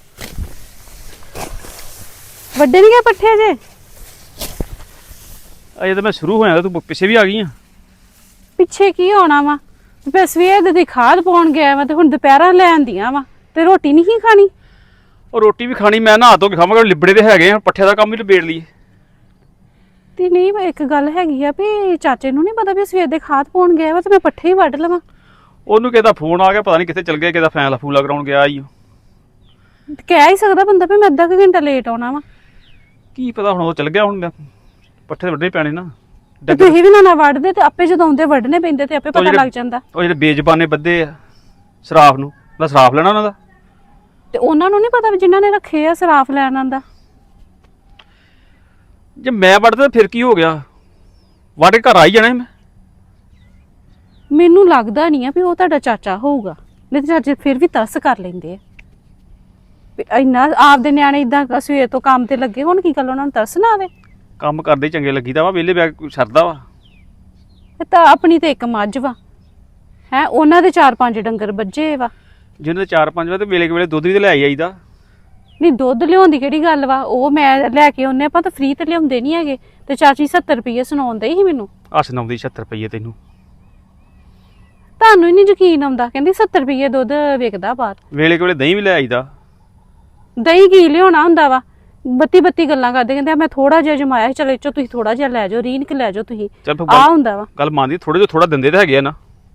C: ਵੱਡੇ ਨਹੀਂ ਗਏ ਪੱਠੇ ਜੇ?
D: ਅਜੇ ਤਾਂ ਮੈਂ ਸ਼ੁਰੂ ਹੋਇਆ ਤੂੰ ਪਿੱਛੇ ਵੀ ਆ ਗਈ ਆ।
C: ਪਿੱਛੇ ਕੀ ਹੋਣਾ ਵਾ? ਤੇ ਸਵੇਰ ਦੀ ਖਾਦ ਪਾਉਣ ਗਿਆ ਵਾ ਤੇ ਹੁਣ ਦੁਪਹਿਰਾਂ ਲੈ ਆਂਦੀਆਂ ਵਾ ਤੇ ਰੋਟੀ ਨਹੀਂ ਖਾਣੀ।
D: ਉਹ ਰੋਟੀ ਵੀ ਖਾਣੀ, ਮੈਂ ਨਹਾ ਧੋ ਕੇ ਖਾਵਾਂਗਾ, ਲਿਬੜੇ ਤੇ ਹੈਗੇ ਆ, ਪੱਠੇ ਦਾ ਕੰਮ ਵੀ ਨਿਬੇੜ ਲਈਏ।
C: ਤੇ ਨਹੀਂ ਇੱਕ ਗੱਲ ਹੈਗੀ ਆ ਵੀ ਚਾਚੇ ਨੂੰ ਨਹੀਂ ਪਤਾ ਵੀ ਸਵੇਰ ਦੇ ਖਾਦ ਪਾਉਣ ਗਿਆ ਵਾ ਤੇ ਮੈਂ ਪੱਠੇ ਹੀ ਵੱਢ ਲਵਾਂ।
D: ਉਹਨੂੰ ਕਿਹਦਾ ਫੋਨ ਆ ਗਿਆ, ਪਤਾ ਨਹੀਂ ਕਿੱਥੇ ਚਲ ਗਿਆ, ਕਿਹਦਾ ਫੈਸਲਾ ਫੂਲਾ ਕਰਾਉਣ ਗਿਆ ਈ।
C: ਤੇ ਕਹਿ ਹੀ ਸਕਦਾ ਬੰਦਾ ਵੀ ਮੈਂ ਅੱਧਾ ਕੁ ਘੰਟਾ ਲੇਟ ਆਉਣਾ ਵਾ।
D: ਕੀ ਪਤਾ ਹੁਣ ਉਹ ਚਲ ਗਿਆ, ਹੁਣ ਮੈਂ ਪੱਠੇ ਤੇ ਵੱਢਣੇ ਪੈਣੇ ਨਾ।
C: ਤੇ ਤੁਸੀਂ ਵੀ ਨਾ ਵੱਢਦੇ ਤੇ ਆਪੇ ਜਦੋਂ ਆਉਂਦੇ ਵੱਢਣੇ ਪੈਂਦੇ ਤੇ ਆਪੇ ਪਤਾ ਲੱਗ ਜਾਂਦਾ।
D: ਉਹ ਜਿਹੜੇ ਬੇਜ਼ਬਾਨੇ ਬੱਦੇ ਆ ਸਰਾਫ ਨੂੰ, ਮੈਂ ਸਰਾਫ ਲੈਣਾ ਉਹਨਾਂ ਦਾ।
C: ਤੇ ਉਹਨਾਂ ਨੂੰ ਨਹੀਂ ਪਤਾ ਵੀ ਜਿਨ੍ਹਾਂ ਨੇ ਰੱਖੇ ਆ ਸਰਾਫ ਲੈਣ ਆਂਦਾ।
D: ਜੇ ਮੈਂ ਵੱਢਦਾ ਫਿਰ ਕੀ ਹੋ ਗਿਆ, ਵੱਢ ਕੇ ਘਰ ਆ ਹੀ ਜਾਣਾ ਮੈਂ।
C: ਮੈਨੂੰ ਲੱਗਦਾ ਨਹੀਂ ਆ ਵੀ ਉਹ ਤੁਹਾਡਾ ਚਾਚਾ ਹੋਊਗਾ, ਨਹੀਂ ਤੇ ਚਾਚੇ ਫਿਰ ਵੀ ਤਰਸ ਕਰ ਲੈਂਦੇ ਆ ਵੀ ਇੰਨਾ ਆਪਦੇ ਨਿਆਣੇ ਇਦਾਂ ਸਵੇਰ ਤੋਂ ਕੰਮ ਤੇ ਲੱਗੇ ਹੁਣ, ਕੀ ਗੱਲ ਉਹਨਾਂ ਨੂੰ ਤਰਸ ਨਾ ਆਵੇ?
D: ਕੰਮ ਕਰਦੇ ਹੀ ਚੰਗੇ ਲੱਗੀਦਾ ਵਾ, ਵਿਹਲੇ ਬੈਗ ਕੋਈ ਸਰਦਾ ਵਾ।
C: ਇਹ ਤਾਂ ਆਪਣੀ ਤੇ ਇੱਕ ਮੱਝ ਵਾ ਹੈ, ਉਹਨਾਂ ਦੇ 4-5 ਡੰਗਰ ਬੱਝੇ ਵਾ।
D: ਜਿਹਨਾਂ ਦੇ 4-5 ਵਾ ਤੇ ਵੇਲੇ ਵੇਲੇ ਦੁੱਧ ਵੀ ਤੇ ਲੈ ਆਈਦਾ।
C: ਨਹੀਂ ਦੁੱਧ ਲਿਆਉਣ ਦੀ ਕਿਹੜੀ ਗੱਲ ਵਾ, ਉਹ ਮੈਂ ਲੈ ਕੇ ਆਉਂਦੇ ਆਪਾਂ ਤਾਂ ਫ੍ਰੀ ਤੇ ਲਿਆਉਂਦੇ ਨਹੀਂ ਹੈਗੇ। ਤੇ ਚਾਚੀ 70 ਰੁਪਏ ਸੁਣਾਉਂਦੇ ਸੀ ਮੈਨੂੰ।
D: ਹੱਸ ਨਾਉਂਦੀ 76 ਰੁਪਏ ਤੈਨੂੰ।
C: ਤੁਹਾਨੂੰ ਹੀ ਨਹੀਂ ਯਕੀਨ ਆਉਂਦਾ, ਕਹਿੰਦੀ 70 ਰੁਪਏ ਦੁੱਧ ਵਿਕਦਾ ਬਾਹਰ।
D: ਵੇਲੇ ਵੇਲੇ ਦਹੀਂ ਵੀ ਲੈ ਆਈਦਾ।
C: ਦਹੀਂ ਕੀ ਲਿਆਉਣਾ ਹੁੰਦਾ ਵਾ, ਬੱਤੀ ਗੱਲਾਂ ਕਰਦੇ, ਕਹਿੰਦੇ ਮੈਂ ਥੋੜਾ ਜਿਹਾ ਜਮਾਇਆ ਸੀ, ਚਲੋ ਚੋ ਤੁਸੀਂ ਥੋੜਾ ਜਿਹਾ ਲੈ ਜਾਓ, ਰੀਨ ਕਿ ਲੈ ਜਾਓ ਤੁਸੀਂ, ਆ ਹੁੰਦਾ ਵਾ।
D: ਗੱਲ ਮੰਨਦੀ, ਥੋੜੇ ਜਿਹਾ ਥੋੜਾ ਦਿੰਦੇ ਤਾਂ ਹੈਗੇ ਆ ਨਾ।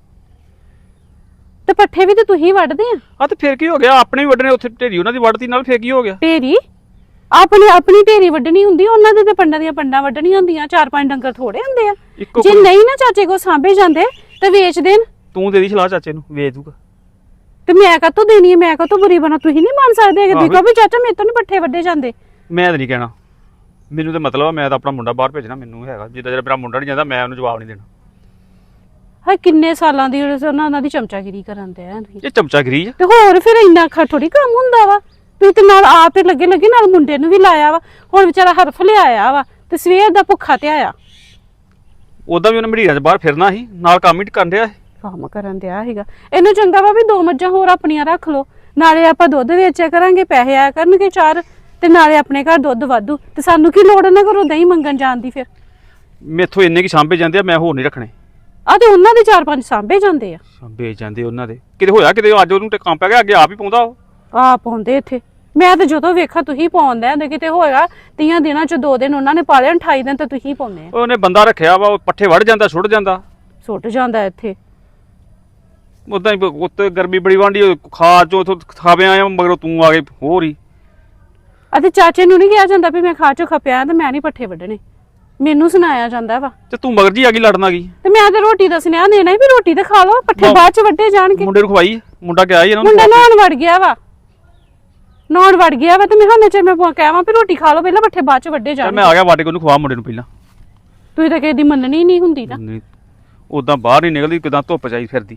C: ਤੇ ਪੱਠੇ ਵੀ ਤੇ ਤੁਸੀਂ ਵੱਢਦੇ ਆ।
D: ਤੇ ਫਿਰ ਕੀ ਹੋ ਗਿਆ, ਆਪਣੇ ਵੀ ਵੱਢਣੇ, ਉੱਥੇ ਢੇਰੀ ਉਹਨਾਂ ਦੀ ਵੱਢਤੀ ਨਾਲ, ਫਿਰ ਕੀ ਹੋ ਗਿਆ?
C: ਢੇਰੀ ਆਪਣੀ ਢੇਰੀ ਵੱਢਣੀ ਹੁੰਦੀ, ਉਹਨਾਂ ਦੇ ਤੇ ਪੰਡਾਂ ਦੀਆਂ ਪੰਡਾਂ ਵੱਢਣੀਆਂ ਹੁੰਦੀਆਂ। 4-5 ਡੰਗਰ ਥੋੜੇ ਹੁੰਦੇ ਆ। ਜੇ ਨਹੀਂ ਨਾ ਚਾਚੇ ਕੋ ਸਾਂਭੇ ਜਾਂਦੇ ਤੇ ਵੇਚ ਦੇਣ।
D: ਤੂੰ ਦੇ ਦੀ ਸਲਾਹ ਚਾਚੇ ਨੂੰ, ਵੇਚ ਦੂਗਾ।
C: ਤੇ ਮੈਂ ਕਾਹਤੋਂ ਦੇਣੀ ਹੈ, ਮੈਂ ਕਾਹਤੋਂ ਬੁਰੀ ਬਣਾ? ਤੁਸੀਂ ਨਹੀਂ ਮੰਨ ਸਕਦੇ ਕਿ ਦੇਖੋ ਵੀ ਚਾਚਾ ਮੇਰੇ ਤੋਂ ਨਹੀਂ ਪੱਠੇ ਵੱਢੇ ਜਾਂਦੇ।
D: ਮੈਂ ਤਾਂ ਨਹੀਂ ਕਹਿਣਾ, ਮੈਨੂੰ ਤਾਂ ਮਤਲਬ ਆ, ਮੈਂ ਤਾਂ ਆਪਣਾ ਮੁੰਡਾ ਬਾਹਰ ਭੇਜਣਾ, ਮੈਨੂੰ ਹੈਗਾ ਜਿੱਦਾਂ ਜਿਹੜਾ ਮੇਰਾ ਮੁੰਡਾ ਨਹੀਂ ਜਾਂਦਾ ਮੈਂ ਉਹਨੂੰ ਜਵਾਬ ਨਹੀਂ ਦੇਣਾ।
C: ਹਾਂ ਕਿੰਨੇ ਸਾਲਾਂ ਦੀ ਉਹਨਾਂ ਦੀ ਚਮਚਾਗਿਰੀ ਕਰਨ ਦੇ ਆ ਤੁਸੀਂ।
D: ਇਹ ਚਮਚਾਗਿਰੀ ਆ
C: ਤੇ ਹੋਰ ਫਿਰ ਇੰਨਾ ਥੋੜੀ ਕੰਮ ਹੁੰਦਾ ਵਾ। ਤੁਸੀਂ ਤੇ ਨਾਲ ਆਪ ਤੇ ਲੱਗੇ ਨਾਲ ਮੁੰਡੇ ਨੂੰ ਵੀ ਲਾਇਆ ਵਾ। ਹੁਣ ਵਿਚਾਰਾ ਹਰਫ ਲਿਆਇਆ ਵਾ ਤੇ ਸਵੇਰ ਦਾ ਭੁੱਖਾ ਤੇ ਆਇਆ।
D: ਉਦਾਂ ਵੀ ਉਹਨੇ ਮੜੀਰਾਂ 'ਚ ਬਾਹਰ ਫਿਰਨਾ ਸੀ, ਨਾਲ ਕੰਮ ਹੀ ਕਰਨ ਡਿਆ।
C: ਕੰਮ ਕਰਨ ਦਿਆ ਸੀਗਾ। ਇਹਨੂੰ ਚੰਗਾ ਵਾ ਵੀ 2 ਮੱਝਾਂ ਹੋਰ ਆਪਣੀਆਂ ਰੱਖ ਲਓ, ਨਾਲੇ ਆਪਾਂ ਦੁੱਧ ਵੇਚਿਆ ਕਰਾਂਗੇ, ਪੈਸੇ ਆਇਆ ਕਰਨਗੇ 4, ਤੇ ਨਾਲੇ ਆਪਣੇ ਘਰ ਦੁੱਧ ਵਾਧੂ। ਤੇ ਸਾਨੂੰ ਕੀ ਲੋੜ ਨਾ ਕਰੋ ਦਹੀਂ ਮੰਗਣ ਜਾਣ ਦੀ। ਫਿਰ
D: ਮੈਥੋਂ ਇੰਨੇ ਕੀ ਸਾਂਭੇ ਜਾਂਦੇ ਆ, ਮੈਂ ਹੋਰ ਨਹੀਂ ਰੱਖਣੇ।
C: ਆ ਤੇ ਉਹਨਾਂ ਦੇ 4-5 ਸਾਂਭੇ ਜਾਂਦੇ ਆ।
D: ਸਾਂਭੇ ਜਾਂਦੇ ਉਹਨਾਂ ਦੇ, ਕਿਤੇ ਹੋਇਆ ਕਿਤੇ ਅੱਜ ਉਹਨੂੰ ਤੇ ਕੰਮ ਪੈ ਗਿਆ, ਅੱਗੇ ਆਪ ਹੀ ਪਾਉਂਦਾ ਉਹ।
C: ਆ ਪਾਉਂਦੇ ਇੱਥੇ। ਮੈਂ ਤਾਂ ਜਦੋਂ ਵੇਖਾ ਤੁਸੀਂ ਪਾਉਂਦੇ ਆ, ਕਿਤੇ ਹੋਏਗਾ 30 ਦਿਨਾਂ ਚ 2 ਦਿਨ ਉਹਨਾਂ ਨੇ ਪਾ ਲਿਆ, 28 ਦਿਨ ਤਾਂ ਤੁਸੀਂ ਪਾਉਂਦੇ ਆ।
D: ਉਹਨੇ ਬੰਦਾ ਰੱਖਿਆ ਵਾ, ਉਹ ਪੱਠੇ ਵੜ ਜਾਂਦਾ, ਸੁੱਟ ਜਾਂਦਾ,
C: ਸੁੱਟ ਜਾਂਦਾ ਇੱਥੇ।
D: ਉਦਾਂ ਹੀ ਉੱਤੇ ਗਰਮੀ ਬੜੀ ਵਾਂਡੀ, ਖਾ ਚੋ ਉਥੋਂ ਖਾਵੇ ਆਇਆ, ਮਗਰੋਂ ਤੂੰ ਆ ਗਈ ਹੋਰ ਹੀ।
C: ਅਤੇ ਚਾਚੇ ਨੂੰ ਨਹੀਂ ਕਿਹਾ ਜਾਂਦਾ ਵੀ ਮੈਂ ਖਾ ਚੋ ਖਪਿਆ ਤੇ ਮੈਂ ਨਹੀਂ ਪੱਠੇ ਵੱਢਣੇ, ਮੈਨੂੰ ਸੁਣਾਇਆ ਜਾਂਦਾ ਵਾ।
D: ਤੇ ਤੂੰ ਮਗਰ ਜੀ ਆ ਗਈ ਲੜਨ ਆ ਗਈ।
C: ਤੇ ਮੈਂ ਤਾਂ ਰੋਟੀ ਦਾ ਸੁਨੇਹਾ ਦੇਣਾ ਸੀ ਵੀ ਰੋਟੀ ਤੇ ਖਾ ਲਓ, ਪੱਠੇ ਬਾਅਦ ਚ ਵੱਢੇ ਜਾਣਗੇ।
D: ਮੁੰਡੇ ਨੂੰ ਖਵਾਈ, ਮੁੰਡਾ ਗਿਆ ਹੀ ਇਹਨਾਂ ਨੂੰ।
C: ਮੁੰਡਾ ਨਹਾਉਣ ਵੜ ਗਿਆ ਵਾ, ਨਹਾਉਣ ਵੜ ਗਿਆ ਵਾ ਤੇ ਮੈਂ ਹੁਣ ਚ ਮੈਂ ਕਹਾਂ ਵੀ ਰੋਟੀ ਖਾ ਲਓ ਪਹਿਲਾਂ, ਪੱਠੇ ਬਾਅਦ ਚ ਵੱਢੇ ਜਾਣਗੇ।
D: ਮੈਂ ਆ ਗਿਆ ਵਾਟੇ, ਉਹਨੂੰ ਖਵਾ ਮੁੰਡੇ ਨੂੰ ਪਹਿਲਾਂ।
C: ਤੁਸੀਂ ਤਾਂ ਕਿਸੇ ਦੀ ਮੰਨਣੀ ਨਹੀਂ ਹੁੰਦੀ ਨਾ।
D: ਉਦਾਂ ਬਾਹਰ ਨਹੀਂ ਨਿਕਲਦੀ, ਕਿਦਾਂ ਧੁੱਪ ਚਾਈ ਫਿਰਦੀ।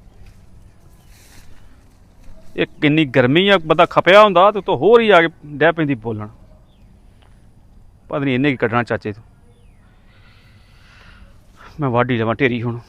D: ਇਹ ਕਿੰਨੀ ਗਰਮੀ ਆ, ਬੰਦਾ ਖਪਿਆ ਹੁੰਦਾ ਤੇ ਉਤੋਂ ਹੋਰ ਹੀ ਆ ਕੇ ਡਹਿ ਪੈਂਦੀ ਬੋਲਣ। ਪਤਾ ਨਹੀਂ ਇਹਨੇ ਕੀ ਕੱਢਣਾ ਚਾਚੇ ਤੋਂ। ਮੈਂ ਵਾਢੀ ਲਵਾਂ ਢੇਰੀ ਹੁਣ।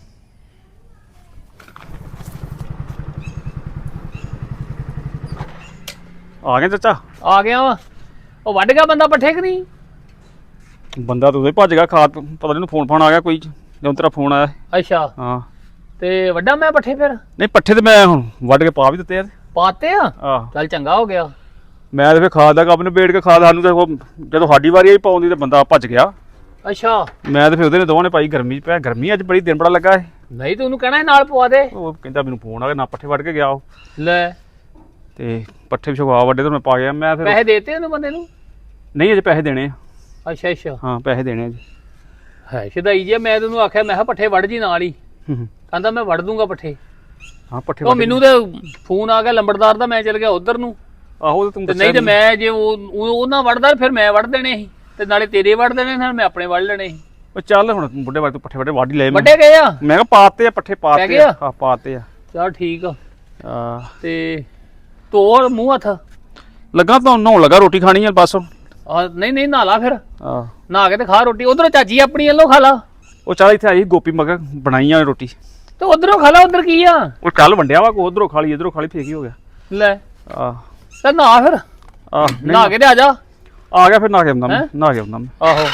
D: ਆ ਗਿਆ ਚਾਚਾ?
A: ਆ ਗਿਆ ਵਾ। ਉਹ ਵੱਢ ਗਿਆ ਬੰਦਾ ਪੱਠੇ ਕਿ ਨਹੀਂ?
D: ਬੰਦਾ ਤਾਂ ਉਹਦੇ ਭੱਜ ਗਿਆ, ਪਤਾ ਨਹੀਂ ਉਹਨੂੰ ਫੋਨ ਆ ਗਿਆ ਕੋਈ, ਜਦੋਂ ਤੇਰਾ ਫੋਨ ਆਇਆ।
A: ਅੱਛਾ,
D: ਹਾਂ।
A: ਤੇ ਵੱਡਾ ਮੈਂ ਪੱਠੇ ਫਿਰ?
D: ਨਹੀਂ ਪੱਠੇ ਤੇ ਮੈਂ ਹੁਣ ਵੱਢ ਕੇ ਪਾ ਵੀ ਦਿੱਤੇ ਯਾਰ।
A: ਪਾਤੇ ਆ?
D: ਆਹ
A: ਚੱਲ ਚੰਗਾ ਹੋ ਗਿਆ।
D: ਮੈਂ ਤੇ ਫਿਰ ਖਾਦ ਦਾ ਕੰਮ ਨਿਬੇੜ ਕੇ, ਖਾਦ ਸਾਨੂੰ ਤੇ ਜਦੋਂ ਸਾਡੀ ਵਾਰੀ ਆਈ ਪਾਉਣ ਦੀ ਤੇ ਬੰਦਾ ਭੱਜ ਗਿਆ।
A: ਅੱਛਾ।
D: ਮੈਂ ਤੇ ਫਿਰ ਉਹਦੇ ਨੇ ਦੋਵਾਂ ਨੇ ਪਾਈ। ਗਰਮੀ ਪਿਆ, ਗਰਮੀ ਅੱਜ ਬੜੀ ਦਿਨ ਬੜਾ ਲੱਗਾ ਹੈ।
A: ਨਹੀਂ ਤੂੰ ਉਹਨੂੰ ਕਹਿਣਾ ਸੀ ਨਾਲ ਪਵਾ ਦੇ।
D: ਉਹ ਕਹਿੰਦਾ ਮੈਨੂੰ ਫੋਨ ਆ ਗਿਆ, ਨਾ ਪੱਠੇ ਵੱਢ ਕੇ ਗਿਆ ਉਹ।
A: ਲੈ
D: ਤੇ ਪੱਠੇ ਵੀ ਛਵਾ ਵੱਡੇ ਤੇ ਮੈਂ ਪਾ ਗਿਆ। ਮੈਂ ਫਿਰ
A: ਪੈਸੇ ਦੇਤੇ ਉਹਨੂੰ ਬੰਦੇ ਨੂੰ?
D: ਨਹੀਂ ਅਜੇ ਪੈਸੇ ਦੇਣੇ ਆ।
A: ਅੱਛਾ ਅੱਛਾ।
D: ਹਾਂ ਪੈਸੇ ਦੇਣੇ ਆ ਜੀ।
A: ਹੈ ਸ਼ਦਾਈ ਜੇ, ਮੈਂ ਤੈਨੂੰ ਆਖਿਆ ਮੈਂ ਕਿਹਾ ਪੱਠੇ ਵੱਢ ਜੀ ਨਾਲ ਹੀ, ਕਹਿੰਦਾ ਮੈਂ ਵੱਢ ਦੂੰਗਾ ਪੱਠੇ।
D: ਹਾਂ ਪੱਠੇ
A: ਉਹ ਮੈਨੂੰ ਤੇ ਫੋਨ ਆ ਗਿਆ ਲੰਬੜਦਾਰ ਦਾ, ਮੈਂ ਚਲ ਗਿਆ ਉਧਰ ਨੂੰ।
D: ਆਹੋ ਤੂੰ
A: ਨਹੀਂ ਤੇ ਮੈਂ ਜੇ ਉਹਨਾਂ ਵੱਢਦਾ ਫਿਰ ਮੈਂ ਵੱਢ ਦੇਣੇ ਸੀ, ਤੇ ਨਾਲੇ ਤੇਰੇ ਵੱਢ ਦੇਣੇ ਨਾਲ ਮੈਂ ਆਪਣੇ ਵੱਢ ਲੈਣੇ ਸੀ।
D: ਉਹ ਚੱਲ ਹੁਣ ਬੁੱਢੇ ਵਾਰ ਤੂੰ ਪੱਠੇ ਵੱਢ ਹੀ ਲਏ।
A: ਵੱਡੇ ਗਏ ਆ?
D: ਮੈਂ ਕਿਹਾ ਪਾਤੇ ਆ ਪੱਠੇ, ਪਾਤੇ ਆ। ਹਾਂ ਪਾਤੇ ਆ।
A: ਚਲ ਠੀਕ ਆ। ਤੇ ਧੋ ਮੂੰਹ ਹੱਥ।
D: ਲੱਗਾ ਤਾਂ ਨਹਾਉਣ ਲੱਗਾ, ਰੋਟੀ ਖਾਣੀ ਆ ਬਸ।
A: ਨਹੀਂ ਨਹੀਂ ਨਹਾ ਲਾ ਫਿਰ,
D: ਆ
A: ਨਹਾ ਕੇ ਤੇ ਖਾ ਰੋਟੀ। ਉਧਰੋਂ ਚਾਚੀ ਆਪਣੀ ਵੱਲੋਂ ਖਾ ਲਾ।
D: ਉਹ ਚੱਲ ਇੱਥੇ ਆਈ ਗੋਪੀ ਮਗਰ ਬਣਾਈ ਆ ਰੋਟੀ।
A: ਤੇ ਉਧਰੋਂ ਖਾ ਲਾ, ਉਧਰ ਕੀ ਆ?
D: ਉਹ ਕੱਲ ਵੰਡਿਆ ਵਾ, ਕੋ ਉਧਰੋਂ ਖਾ ਲਈ ਇਧਰੋਂ ਖਾ ਲਈ, ਫੇਰ ਕੀ ਹੋ ਗਿਆ।
A: ਲੈ
D: ਆ
A: ਤੇ ਨਹਾ ਫਿਰ, ਨਹਾ ਕੇ ਤੇ ਆ ਜਾ।
D: ਆ ਗਿਆ ਫਿਰ, ਨਹਾ ਕੇ ਆਉਂਦਾ ਮੈਂ, ਨਹਾ ਕੇ ਆਉਂਦਾ ਮੈਂ।
A: ਆਹੋ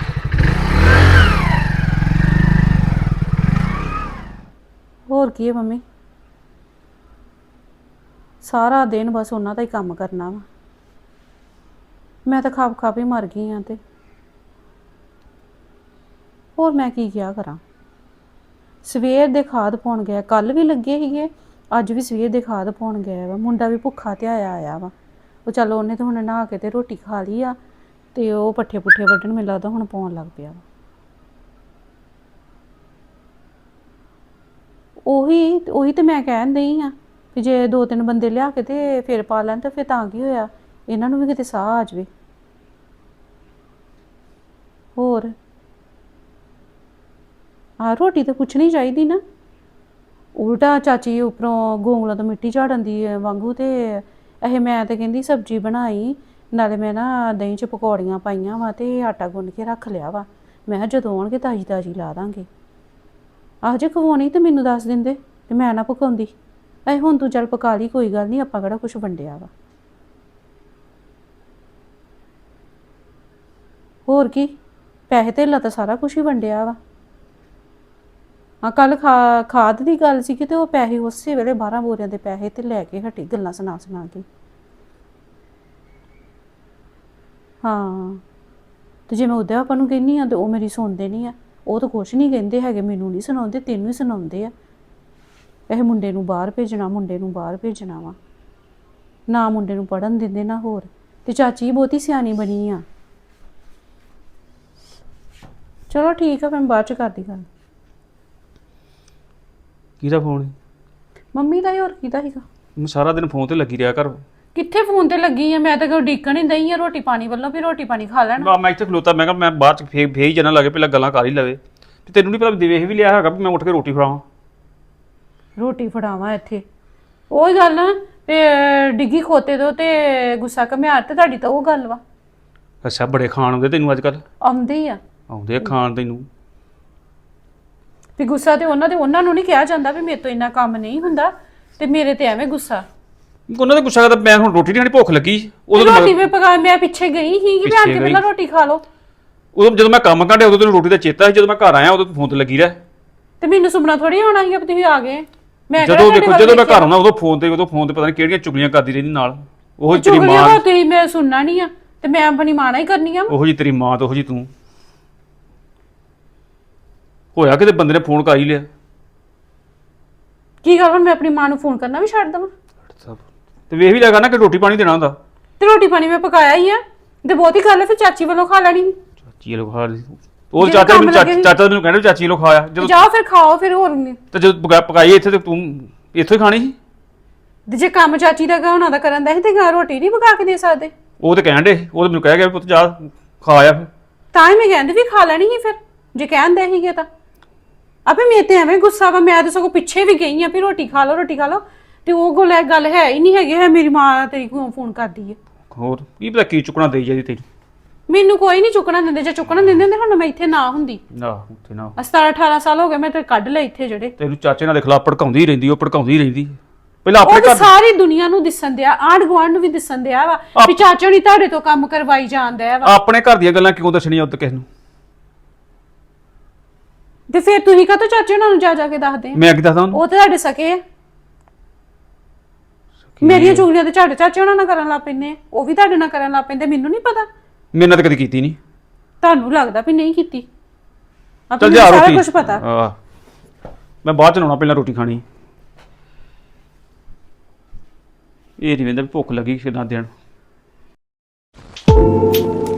C: ਹੋਰ ਕੀ ਹੈ ਮੰਮੀ, ਸਾਰਾ ਦਿਨ ਬਸ ਉਹਨਾਂ ਦਾ ਹੀ ਕੰਮ ਕਰਨਾ ਵਾ। ਮੈਂ ਤਾਂ ਖਾਪ ਖਾਪ ਹੀ ਮਰ ਗਈ ਹਾਂ। ਤੇ ਹੋਰ ਮੈਂ ਕੀ ਕਿਹਾ ਕਰਾਂ। ਸਵੇਰ ਦੇ ਖਾਦ ਪਾਉਣ ਗਿਆ, ਕੱਲ ਵੀ ਲੱਗੇ ਸੀਗੇ, ਅੱਜ ਵੀ ਸਵੇਰ ਦੇ ਖਾਦ ਪਾਉਣ ਗਿਆ ਵਾ। ਮੁੰਡਾ ਵੀ ਭੁੱਖਾ ਤੇ ਆਇਆ ਵਾ। ਉਹ ਚਲੋ ਉਹਨੇ ਤਾਂ ਹੁਣ ਨਹਾ ਕੇ ਤੇ ਰੋਟੀ ਖਾ ਲਈ ਆ, ਤੇ ਉਹ ਪੱਠੇ ਪੁੱਠੇ ਵੱਢਣ ਮੈਨੂੰ ਲੱਗਦਾ ਹੁਣ ਪਾਉਣ ਲੱਗ ਪਿਆ ਵਾ। ਉਹੀ ਤੇ ਮੈਂ ਕਹਿਣ ਦਈ ਆ ਵੀ ਜੇ 2-3 ਬੰਦੇ ਲਿਆ ਕੇ ਤੇ ਫਿਰ ਪਾ ਲੈਣ ਤਾਂ ਫਿਰ ਤਾਂ ਕੀ ਹੋਇਆ, ਇਹਨਾਂ ਨੂੰ ਵੀ ਕਿਤੇ ਸਾਹ ਆ ਜਾਵੇ। ਹੋਰ ਰੋਟੀ ਤਾਂ ਪੁੱਛਣੀ ਚਾਹੀਦੀ ਨਾ। ਉਲਟਾ ਚਾਚੀ ਉੱਪਰੋਂ ਗੋਂਗਲਾਂ ਤੋਂ ਮਿੱਟੀ ਝਾੜਨ ਦੀ ਵਾਂਗੂ। ਤੇ ਇਹ ਮੈਂ ਤਾਂ ਕਹਿੰਦੀ ਸਬਜ਼ੀ ਬਣਾਈ, ਨਾਲੇ ਮੈਂ ਨਾ ਦਹੀਂ 'ਚ ਪਕੌੜੀਆਂ ਪਾਈਆਂ ਵਾ ਤੇ ਆਟਾ ਗੁੰਨ ਕੇ ਰੱਖ ਲਿਆ ਵਾ। ਮੈਂ ਕਿਹਾ ਜਦੋਂ ਆਉਣਗੇ ਤਾਜ਼ੀ ਤਾਜ਼ੀ ਲਾ ਦਾਂਗੇ। ਆਹ ਜੇ ਖਵਾਉਣੀ ਤੇ ਮੈਨੂੰ ਦੱਸ ਦਿੰਦੇ ਤੇ ਮੈਂ ਨਾ ਪਕਾਉਂਦੀ। ਹੁਣ ਤੂੰ ਚੱਲ ਪਕਾ ਲਈ, ਕੋਈ ਗੱਲ ਨਹੀਂ, ਆਪਾਂ ਕਿਹੜਾ ਕੁਛ ਵੰਡਿਆ ਵਾ। ਹੋਰ ਕੀ, ਪੈਸੇ ਧੇਲਾ ਤਾਂ ਸਾਰਾ ਕੁਛ ਹੀ ਵੰਡਿਆ ਵਾ। ਕੱਲ ਖਾਦ ਦੀ ਗੱਲ ਸੀ ਕਿ ਤੇ ਉਹ ਪੈਸੇ ਉਸੇ ਵੇਲੇ 12 ਬੋਰੀਆਂ ਦੇ ਪੈਸੇ ਤੇ ਲੈ ਕੇ ਹਟੀ, ਗੱਲਾਂ ਸੁਣਾ ਕੇ। ਹਾਂ ਤੇ ਜੇ ਮੈਂ ਉਹਦੇ ਆਪਾਂ ਨੂੰ ਕਹਿੰਦੀ ਆ ਤੇ ਉਹ ਮੇਰੀ ਸੁਣਦੇ ਨਹੀਂ ਆ। ਉਹ ਤਾਂ ਕੁਛ ਨਹੀਂ ਕਹਿੰਦੇ ਹੈਗੇ, ਮੈਨੂੰ ਨਹੀਂ ਸੁਣਾਉਂਦੇ, ਤੈਨੂੰ ਹੀ ਸੁਣਾਉਂਦੇ ਆ। ਇਹ ਮੁੰਡੇ ਨੂੰ ਬਾਹਰ ਭੇਜਣਾ, ਮੁੰਡੇ ਨੂੰ ਬਾਹਰ ਭੇਜਣਾ ਵਾ, ਨਾ ਮੁੰਡੇ ਨੂੰ ਪੜ੍ਹਨ ਦਿੰਦੇ ਨਾ ਹੋਰ। ਤੇ ਚਾਚੀ ਬਹੁਤੀ ਸਿਆਣੀ ਬਣੀ ਆ। ਚਲੋ ਠੀਕ ਆ, ਮੈਂ ਬਾਅਦ ਚ ਕਰਦੀ ਗੱਲ।
D: ਕਿਹਦਾ ਫੋਨ?
C: ਮੰਮੀ ਦਾ ਹੀ, ਹੋਰ ਕਿਹਦਾ ਸੀਗਾ।
D: ਮੈਂ ਸਾਰਾ ਦਿਨ ਫੋਨ ਤੇ ਲੱਗੀ ਰਿਹਾ ਕਰ।
C: ਕਿੱਥੇ ਫੋਨ ਤੇ ਲੱਗੀ ਆ ਮੈਂ, ਤਾਂ ਕੋਈ ਡੀਕਣ ਹੀ ਦਈ ਆ ਰੋਟੀ ਪਾਣੀ ਵੱਲੋਂ ਵੀ ਰੋਟੀ ਪਾਣੀ ਖਾ ਲੈਣ।
D: ਮੈਂ ਇੱਥੇ ਖਲੋਤਾ, ਮੈਂ ਕਿਹਾ ਮੈਂ ਬਾਅਦ ਚ ਫੇਰ ਹੀ ਜਾਣਾ ਲੱਗੇ, ਪਹਿਲਾਂ ਗੱਲਾਂ ਕਰ ਹੀ ਲਵੇ। ਤੇ ਤੈਨੂੰ ਨਹੀਂ ਪਤਾ ਵੇਖ ਵੀ ਲਿਆ ਹੈਗਾ ਵੀ ਮੈਂ ਉੱਠ ਕੇ ਰੋਟੀ ਫੜਾਵਾਂ।
C: ਰੋਟੀ ਫੜਾਵਾਂ ਇੱਥੇ ਉਹੀ ਗੱਲ ਨਾ ਤੇ ਡਿੱਗੀ ਖੋਤੇ ਤੋਂ ਤੇ ਗੁੱਸਾ ਘਮਿਆਰ ਤੇ ਤੁਹਾਡੀ ਤਾਂ ਉਹ ਗੱਲ ਵਾ।
D: ਅੱਛਾ, ਬੜੇ ਖਾਣ ਆਉਂਦੇ ਤੈਨੂੰ ਅੱਜ ਕੱਲ?
C: ਆਉਂਦੇ ਹੀ ਆ,
D: ਆਉਂਦੇ ਆ ਖਾਣ ਤੈਨੂੰ।
C: ਵੀ ਗੁੱਸਾ ਤੇ ਉਹਨਾਂ ਨੂੰ ਨਹੀਂ ਕਿਹਾ ਜਾਂਦਾ ਵੀ ਮੇਰੇ ਤੋਂ ਇੰਨਾ ਕੰਮ ਨਹੀਂ ਹੁੰਦਾ, ਤੇ ਮੇਰੇ ਤੇ ਐਵੇਂ ਗੁੱਸਾ।
D: ਉਹਨਾਂ ਦਾ ਗੁੱਸਾ ਕਰਦਾ, ਮੈਂ ਹੁਣ ਰੋਟੀ ਨਹੀਂ ਖਾਣੀ, ਭੁੱਖ ਲੱਗੀ।
C: ਰੋਟੀ ਵੀ ਪਕਾ, ਮੈਂ ਪਿੱਛੇ ਗਈ ਸੀ ਕਿ ਭੈਣ ਕੇ ਪਹਿਲਾਂ ਰੋਟੀ ਖਾ ਲਓ।
D: ਉਦੋਂ ਜਦੋਂ ਮੈਂ ਕੰਮ ਕਾਂਡਿਆ ਉਦੋਂ ਤੈਨੂੰ ਰੋਟੀ ਦਾ ਚੇਤਾ ਸੀ, ਜਦੋਂ ਮੈਂ ਘਰ ਆਇਆ ਉਦੋਂ ਤੂੰ ਫੋਨ ਤੇ ਲੱਗੀ ਰਹਿ।
C: ਤੇ ਮੈਨੂੰ ਸੁਪਨਾ ਥੋੜੀ ਆਉਣਾ ਸੀਗਾ ਵੀ ਤੁਸੀਂ ਆ ਗਏ। ਮੈਂ
D: ਜਦੋਂ ਦੇਖੋ ਜਦੋਂ ਮੈਂ ਘਰ ਆਉਣਾ ਉਦੋਂ ਫੋਨ ਤੇ ਪਤਾ ਨਹੀਂ ਕਿਹੜੀਆਂ ਚੁਗਲੀਆਂ ਕਰਦੀ ਰਹਿੰਦੀ ਨਾਲ। ਉਹ ਤੇਰੀ ਮਾਂ,
C: ਤੁਸੀਂ ਮੈਂ ਸੁਣਨਾ ਨਹੀਂ ਆ ਤੇ ਮੈਂ ਆਪਣੀ ਮਾਂ ਨਾਲ ਹੀ ਕਰਨੀ ਆ।
D: ਉਹੋ ਜੀ ਤੇਰੀ ਮਾਂ ਤੇ ਉਹੋ ਜੀ ਤੂੰ। ਹੋਇਆ ਕਿਤੇ ਬੰਦੇ ਨੇ ਫੋਨ ਕਰ ਹੀ ਲਿਆ।
C: ਕੀ ਗੱਲ ਹੁਣ ਮੈਂ ਆਪਣੀ ਮਾਂ ਨੂੰ ਫੋਨ ਕਰਨਾ ਵੀ ਛੱਡ ਦਵਾਂ?
D: ਤੇ ਵੇਖ ਵੀ ਲੱਗਾ ਨਾ ਕਿ ਰੋਟੀ ਪਾਣੀ ਦੇਣਾ ਹੁੰਦਾ।
C: ਤੇ ਰੋਟੀ ਪਾਣੀ ਮੈਂ ਪਕਾਇਆ ਹੀ ਆ ਤੇ ਬਹੁਤੀ ਗੱਲ ਹੈ, ਫਿਰ ਚਾਚੀ ਵੱਲੋਂ ਖਾ ਲੈਣੀ।
D: ਚਾਚੀ ਵੱਲੋਂ ਖਾ ਲਈ ਉਹ ਚਾਚਾ ਮੈਨੂੰ ਕਹਿੰਦਾ ਚਾਚੀ ਵੱਲੋਂ ਖਾਇਆ। ਜਦੋਂ
C: ਜਾਓ ਫਿਰ ਖਾਓ ਫਿਰ। ਹੋਰ
D: ਤੇ ਜਦੋਂ ਪਕਾਈ ਇੱਥੇ ਤੇ ਤੂੰ ਇੱਥੋਂ ਹੀ ਖਾਣੀ ਸੀ।
C: ਤੇ ਜੇ ਕੰਮ ਚਾਚੀ ਦਾ ਉਹਨਾਂ ਦਾ ਕਰਨ ਦਾ ਸੀ ਤੇ ਰੋਟੀ ਨਹੀਂ ਪਕਾ ਕੇ ਦੇ ਸਕਦੇ?
D: ਉਹ ਤੇ ਕਹਿਣ ਦੇ, ਉਹ ਤੇ ਮੈਨੂੰ ਕਹਿ ਗਿਆ ਪੁੱਤ ਜਾ ਖਾ ਆ। ਫਿਰ
C: ਤਾਂ ਹੀ ਮੈਂ ਕਹਿੰਦੀ ਵੀ ਖਾ ਲੈਣੀ ਸੀ ਫਿਰ, ਜੇ ਕਹਿੰਦੇ ਸੀਗੇ ਤਾਂ। ਆਪੇ ਮੇਰੇ ਤੇ ਐਵੇਂ ਗੁੱਸਾ ਵਾ, ਮੈਂ ਤਾਂ ਸਗੋਂ ਪਿੱਛੇ ਵੀ ਗਈ ਆ ਵੀ ਰੋਟੀ ਖਾ ਲਓ ਰੋਟੀ ਖਾ ਲਓ, ਤੇ ਉਹ ਗੱਲ ਹੈ ਹੀ ਨਹੀਂ ਹੈਗੀ। ਹੈ ਮੇਰੀ ਮਾਂ ਤੇਰੀ ਫੋਨ ਕਰਦੀ ਹੈ।
D: ਹੋਰ ਕੀ ਪਤਾ ਕੀ ਚੁੱਕਣਾ ਦੇਈ ਜਾਂਦੀ ਤੈਨੂੰ।
C: ਮੈਨੂੰ ਕੋਈ ਨਹੀਂ ਚੁੱਕਣਾ ਦਿੰਦੇ, ਜੇ ਚੁੱਕਣਾ ਦਿੰਦੇ ਹੁੰਦੇ ਹੁਣ ਮੈਂ ਇੱਥੇ ਨਾ ਹੁੰਦੀ।
D: ਉੱਥੇ ਨਾ
C: 17-18 ਸਾਲ ਹੋ ਗਏ ਮੈਂ ਤੇ ਕੱਢ ਲਏ ਇੱਥੇ ਜਿਹੜੇ।
D: ਤੈਨੂੰ ਚਾਚੇ ਨਾਲ ਦੇਖ ਲਾ ਭੜਕਾਉਂਦੀ ਰਹਿੰਦੀ, ਉਹ ਭੜਕਾਉਂਦੀ ਰਹਿੰਦੀ। ਪਹਿਲਾਂ ਆਪਣੇ
C: ਉਹ
D: ਘਰ
C: ਸਾਰੀ ਦੁਨੀਆ ਨੂੰ ਦਿਸਣ ਦਿਆ, ਆਂਢ ਗੁਆਂਢ ਨੂੰ ਵੀ ਦਿਸਣ ਦਿਆ ਵਾ ਵੀ ਚਾਚਾ ਨਹੀਂ ਤੁਹਾਡੇ ਤੋਂ ਕੰਮ ਕਰਵਾਈ ਜਾਂਦਾ ਵਾ।
D: ਆਪਣੇ ਘਰ ਦੀਆਂ ਗੱਲਾਂ ਕਿਉਂ ਦੱਸਣੀਆਂ ਉੱਤੇ ਕਿਸੇ ਨੂੰ?
C: ਤੇ ਫਿਰ ਤੁਸੀਂ ਕਾਹਤੋਂ ਚਾਚੇ ਉਹਨਾਂ ਨੂੰ ਜਾ ਕੇ ਦੱਸਦੇ?
D: ਮੈਂ ਕੀ ਦੱਸਦਾ ਉਹਨੂੰ?
C: ਉਹ ਤੇ ਤੁਹਾਡੇ ਸਕੇ ਆ। ਮੇਰੀਆਂ ਚੁਗਲੀਆਂ ਤੇ ਤੁਹਾਡੇ ਚਾਚੇ ਉਹਨਾਂ ਨਾਲ ਕਰਨ ਲੱਗ ਪੈਂਦੇ, ਉਹ ਵੀ ਤੁਹਾਡੇ ਨਾਲ ਕਰਨ ਲੱਗ ਪੈਂਦੇ। ਮੈਨੂੰ ਨਹੀਂ ਪਤਾ,
D: ਮੇਰੇ ਨਾਲ ਤਾਂ ਕਦੀ ਕੀਤੀ ਨਹੀਂ।
C: ਤੁਹਾਨੂੰ ਲੱਗਦਾ ਵੀ ਨਹੀਂ ਕੀਤੀ।
D: ਚੱਲ ਜਾ
C: ਸਾਰਾ
D: ਰੋਟੀ।
C: ਕੁਝ ਪਤਾ।
D: ਮੈਂ ਬਾਅਦ ਚ ਲਾਉਣਾ, ਪਹਿਲਾਂ ਰੋਟੀ ਖਾਣੀ। ਇਹ ਨਹੀਂ ਵੇਂਦਾ ਵੀ ਭੁੱਖ ਲੱਗੀ ਕਿਦਾਂ ਦੇਣ।